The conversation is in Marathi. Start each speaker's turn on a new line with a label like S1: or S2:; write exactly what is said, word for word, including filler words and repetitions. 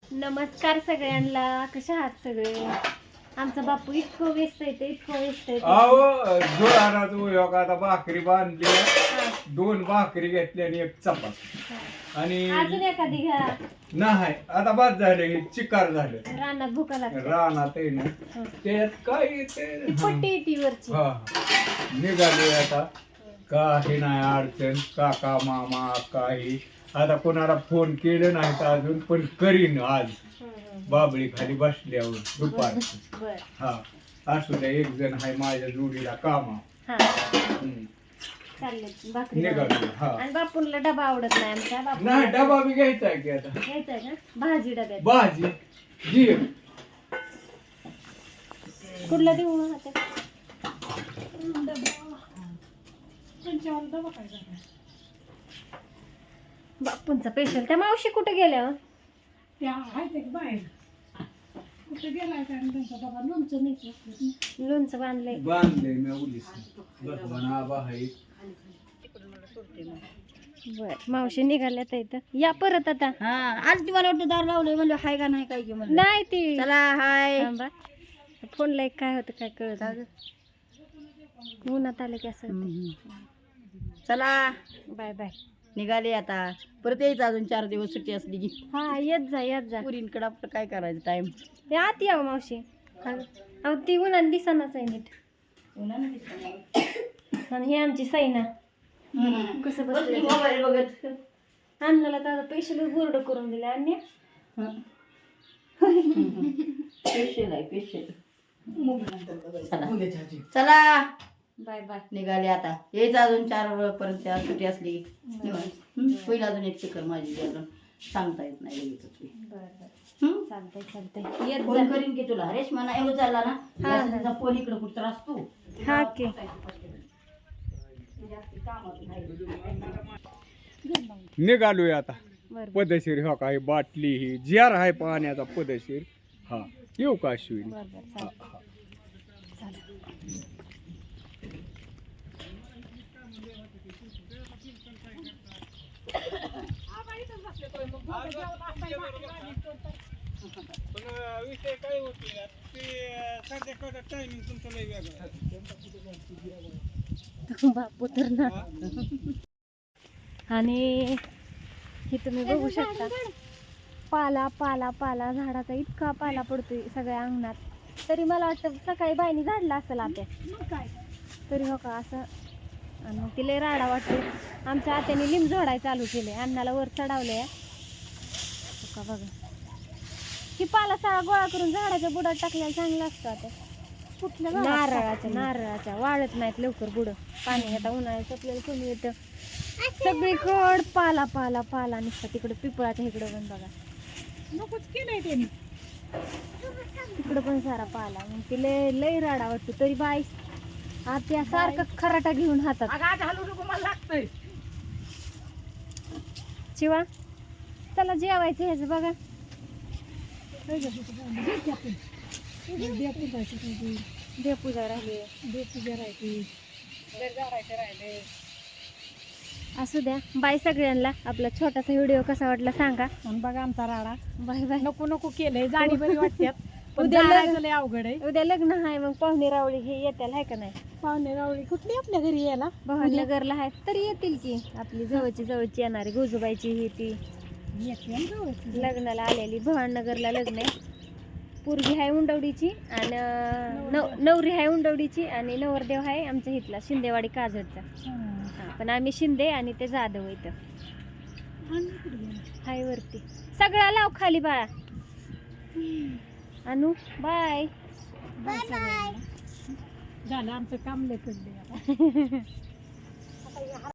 S1: नमस्कार सगळ्यांना, कशा आहात सगळे? आमचा बापू इतकं व्यस्त आहे, इतकं व्यस्त आहे.
S2: अहो जोराला तू आता भाकरी बांधली, दोन भाकरी घेतली आणि एक चपाती आणि
S1: अजून एखादी घ्या.
S2: नाही आता बाद झाले, हे चिकार झाले
S1: रानात भुका लागते.
S2: रानात आहे ना त्यात काय येते
S1: ती पट्टी येते वरची.
S2: हा निघाले आता काही नाही अडचण. काका मामा काही आता कोणाला फोन केले नाहीत अजून, पण करीन आज. बाबळी खाली बसल्यावर दुपार.
S1: बर
S2: हा असू द्या, एक जण आहे माझ्या जोडीला कामा.
S1: हा
S2: हम्म.
S1: चालले भाकरी
S2: निघालो.
S1: बनवायला.
S2: हा
S1: आणि बापूला डबा आवडत नाही आमच्या बापू.
S2: नाही डबा बी घ्यायचा आहे की आता.
S1: घ्यायचंय का भाजी डब्यात?
S2: भाजी जी
S1: कुठला देऊ मग आता? बापूंचा स्पेशल. त्या मावशी कुठे गेल्या हो?
S3: त्या आहेत एक बाहेर कुठे गेलाय काय आणि त्यांचा डबा लोणचं नाही.
S1: लोणचं बांधलंय.
S2: बांधले मी उलीस भगवान आबा आहे.
S1: बर मावशी निघाल्या तर इथं. या परत आता.
S3: हा आज ती मला वाटतं दार लावलंय म्हणलं हाय का नाही काय की म्हणलं.
S1: नाही ती
S3: चला हाय.
S1: थांबा. फोनला एक काय होतं काय कळत नाही. उन्हात आलं की असं होतं.
S3: चला
S1: बाय बाय.
S3: निघाले आता. परत यायचं अजून चार दिवस सुट्टी असली की.
S1: हा येत जा येत जा.
S3: पुरींकडे आपलं काय करायचं टाइम.
S1: ते आत यावं मावशी. अहो ती उन्हात दिसानाच आहे नीट. आणि ही आमची सैना कसं बसलं
S3: मोबाईल बघत.
S1: अन्नाला तर स्पेशल बोर्ड करून दिला. अन्य
S3: स्पेशल आहे स्पेशल. चला
S1: बाय बाय.
S3: निघाले आता. यायचं अजून चार पर्यंत सुट्टी असली की. हम्म. होईल अजून एक चक्कर माझी जी अजून सांगता येत नाही लगेच.
S1: बर बर
S3: हम्म.
S1: चालतंय चालतंय. येत
S3: फोन
S1: जा.
S3: करीन की तुला. रेशमा नाही एवढं चालला ना
S1: हा,
S3: असं
S1: हा.
S3: तिचा फोन इकडं कुठं असतो.
S1: हा की.
S2: निघालोय आता
S1: बर बर
S2: पदशीर. हो काय बाटली ही जार आहे पाण्याचा पदशीर. हा येऊ का अश्विनी?
S1: बर बर
S2: हा,
S1: चालतंय.
S2: हा.
S1: चालेल.
S2: विषय काय होते ते टायमिंग तुमचं लय वेगळं.
S1: बापू तर ना. आणि हे तुम्ही बघू शकता पाला पाला पाला झाडाचा इतका पाला पडतोय सगळ्या अंगणात. तरी मला वाटतं सकाळी बाईने झाडला असेल आता. तरी हो का असं. आणि मग तिला राडा वाटते. आमच्या आत्याने लिंब झोडाय चालू केले. अन्नाला वर चढवले का बघा. ही पाला सगळा गोळा करून झाडाच्या बुडात टाकल्याला चांगलं असतं. आता
S3: कुठल्या
S1: नारळाच्या नारळाच्या वाळत नाहीत लवकर बुड. पाणी आता उन्हाळ्यात आपल्याला कमी येतं. सगळीकड पाला पाला पाला निघता. तिकडं पिपळाच्या इकडं पण बघा
S3: नकोच केलंय त्यांनी.
S1: तिकडं पण सारा पाला. मग ती लय लय राडा वाटतो. तरी बाई आता सारखं खराटा घेऊन हातात.
S3: आज हलू नको मला लागतंय.
S1: शिवा चला जेवायचं ह्याचं बघा. देवपूजा राहिली.
S3: देवपूजा राहायची.
S1: असू द्या. बाय सगळ्यांना. आपला छोटासा व्हिडिओ कसा वाटला सांगा.
S3: आणि बघा आमचा राडा.
S1: Bye bye.
S3: नको नको केलंय. जाणी बरी वाटतात.
S1: उद्या
S3: उद्या
S1: लग्न-
S3: लय अवघड आहे.
S1: उद्या लग्न आहे. मग पाहुणे रावळी हे येतील आहे का नाही?
S3: पाहुणे रावळी कुठली आपल्या घरी यायला.
S1: भावनगरला आहे तरी येतील की. आपली जवळची जवळची येणारी गोजूबाईची ही ती लग्नाला आलेली. भवाननगरला लग्न आहे. पोरगी आहे उंडवडीची आणि नव नवरी आहे उंडवडीची आणि नवरदेव आहे आमच्या इथला शिंदेवाडी काजडचा. हा पण आम्ही शिंदे आणि ते जाधव इथं हाय वरती. सगळा लाव खाली बाळा. अनु बाय.
S3: झालं आमचं काम लय पडले.